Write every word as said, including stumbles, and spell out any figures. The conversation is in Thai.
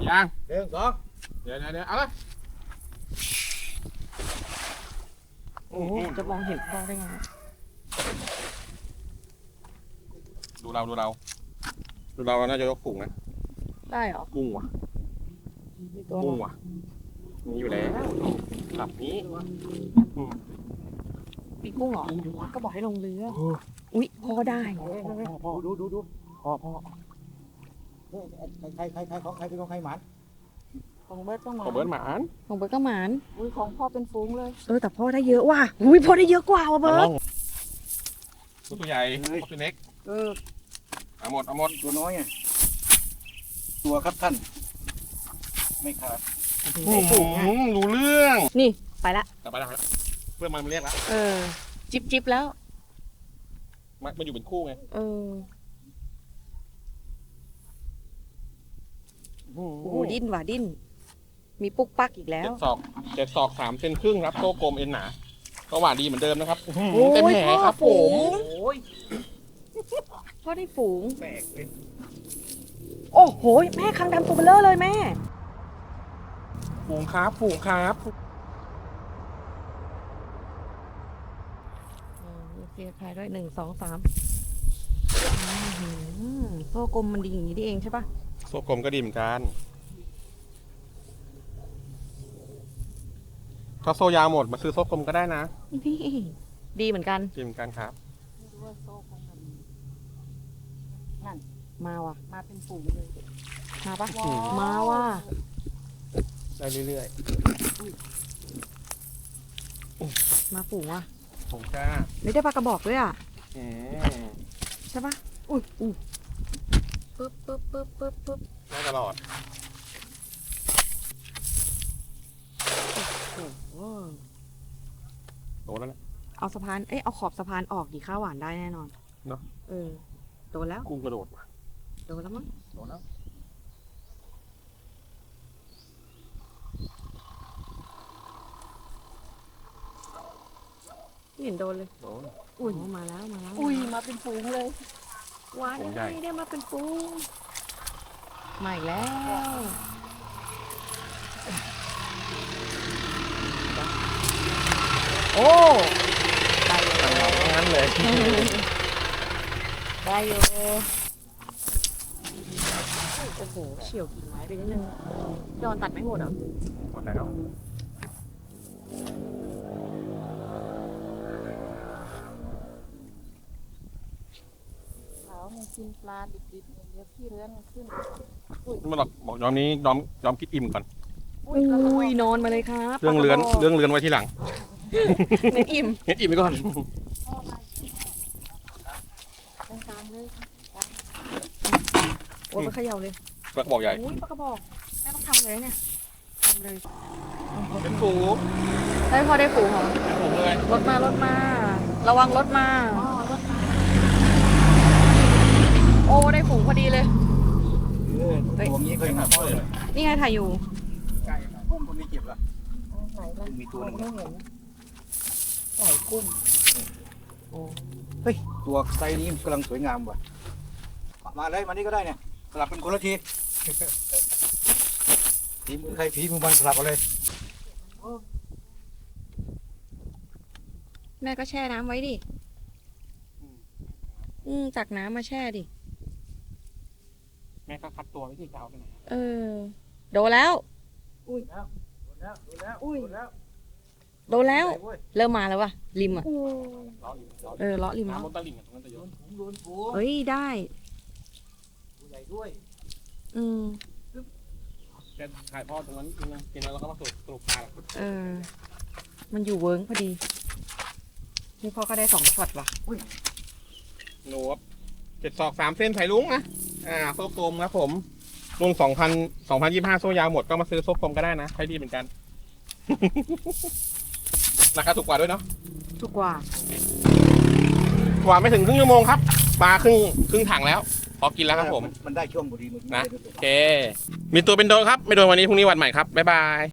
ยังหนึ่งสองเดี๋ยวเดี๋ยวเดี๋ยวเอาเลยโอ้โหจะมองเห็นพ่อได้ไงดูเราดูเราดูเราเราน่าจะยกฝูงนะได้เหรอกุ้งว่ะมีตัวกุ้งว่ะมีอยู่แล้วหลับนี้มีกุ้งเหรอก็บอกให้ลงเรืออุ๊ยพ่อได้พ่อดูดูดูพ่อพ่อใครใครใครของใครเป็นของใครหมันของเบิร์ดก็หมาขอเบิร์ดหมานของเบิร์ดก็หมานอุ้ยของพ่อเป็นฟุ้งเลยเออแต่พ่อได้เยอะว่ะอุ้ยพ่อได้เยอะกว่าว่ะเบิร์ดตัวใหญ่ตัวเล็กเออเอาหมดเอาหมดตัวน้อยไงตัวครับท่านไม่ขาดรู้เรื่องนี่ไปละกลับไปแล้วเพื่อนมันมาเรียกแล้วเออจิบจิบแล้วมันมันอยู่เป็นคู่ไงเออโอ้โหดิ้นว่ะดิ้นมีปุ๊กปักอีกแล้เจ็วดศอกเจ็ดศอกสามเซนครึ่งครับโซ่กลมเอ็นหนาก็หวานดีเหมือนเดิมนะครับโอ้ยเต็มแผลครับพ่อฝูผมงโอ้ยพ่อได้ฝูงแปลกเลยโอ้โหแม่คางดำตัวเบลเลอร์เลยแม่ฝูงครับฝูงครับมีเสียใครด้วยหนึ่งสองสามโซ่กลมมันดีอย่างนี้นี่เองใช่ปะโซ่กลมก็ดีเหมือนกันถ้าโซ่ยาวหมดมาซื้อโซ่กลมก็ได้นะนี่ดีเหมือนกันดีเหมือนกันครับไม่รู้ว่าโซ่ของมันมาว่ะมาเป็นฝูงเลยมาปะว้าวมาว่ะได้เรื่อยมาฝูงว่ะๆผมจ้าไม่ได้ปลากระบอกด้วยอ่ะอืมใช่ปะอุ้ยอุ้ยปึ๊บปึ๊บปึ๊บปึ๊บปึ๊บได้ตลอดโอ้โหโตแล้วนะเอาสะพานเอ้ยเอาขอบสะพานออกดีข้าวหวานได้แน่นอนเนอะเออโดนแล้วกุ้งกระโดดว่ะโดนแล้วมั้งโตแล้วไม่เห็นโดนเลยโตอุ้ยมาแล้วมาแล้วอุ้ยมาเป็นฝูงเลยหวานยังไงได้มาเป็นฟูงมาอีกแล้ว โอ้ได้อยู่งั้นเลยได้อยู่โอ้โหเฉี่ยวกิ่งไม้ไปนิดนึงยอนตัดไม่หมดเหรอหมดแล้วเขามันกินปลาดิบๆเนี่ยเดี๋ยวพี่เรือนมันขึ้นไม่หรอกบอกยอมนี้ยอมยอมคิดอิ่มก่อนอุ้อุ้ยกระโดยดนอนมาเลยครับเรื่องเรือนปลากระบเรื่องเรือนไว้ที่หลังอกเน้นอิ่มเฮ็ดอิ่มไปก่อนตรงกลางเลยโอ้ยไปเขย่าเลยกระบอกใหญ่อุ้ยปลากระบอกแม่ต้องทำเลยเนี่ยทำเลยเป็นฝูได้พอได้ฝูงเหรอเป็นฝูเลยรถมารถมา ระวังรถมาอ๋อรถมาโอ้ได้ฝูงพอดีเลยเออตัวนี้เคยหาพ่อเลยนี่ไงถ่ายอยู่ไก่กุ้งตัวนี้เจ็บละไหนล่ะมีตัวหนึงไม่เห็นไหลกุ้งตัวไซส์นี้กำลังสวยงามว่ะมาเลยมานี่ก็ได้เนี่ยสลับเป็นคนละทีทีมใครทีมมันสลับกันเลยแม่ก็แช่น้ำไว้ดิ อืมตักน้ำมาแช่ดิแม่ก็คัดตัวไว้ที่จะเอาไปไหนเออ โดนแล้วโดนแล้วโดนแล้วโดนแล้วโดนแล้ว เริ่มมาแล้ววะริมอ่ะอู้ล้ออยู่ล้อเออเลาะริมน้ำแล้วบนตลิ่งอะตรงนั้นจะเยโดอะนฝูงโดนฝูงเฮ้ยได้ตัวใหญ่ด้วยอืมแกถ่ายพ่อตรงนั้นกินนะกินแล้วเราก็มาสรุปสรุปปลาเออ มันอยู่เวิร์กพอดี นี่พ่อก็ได้สองช็อตว่ะโน้ตเจ็ดศอกสามเส้นไผ่ลุงนะอ่าโซ่กลมครับผมรุ่นสองพันสองพันยี่ห้าโซ่ยาวหมดก็มาซื้อโซ่กลมก็ได้นะใช้ดีเหมือนกัน ราคาถูกกว่าด้วยเนาะถูกกว่ากว่าไม่ถึงครึ่งชั่วโมงครับปลาครึ่งครึ่งถังแล้ว พอกินแล้วครับผมมันได้ช่วงพอดีเมื่อกี้นะ โอเค มีตัวเป็นโดนครับ ไม่โดนวันนี้พรุ่งนี้วันใหม่ครับ บ๊ายบาย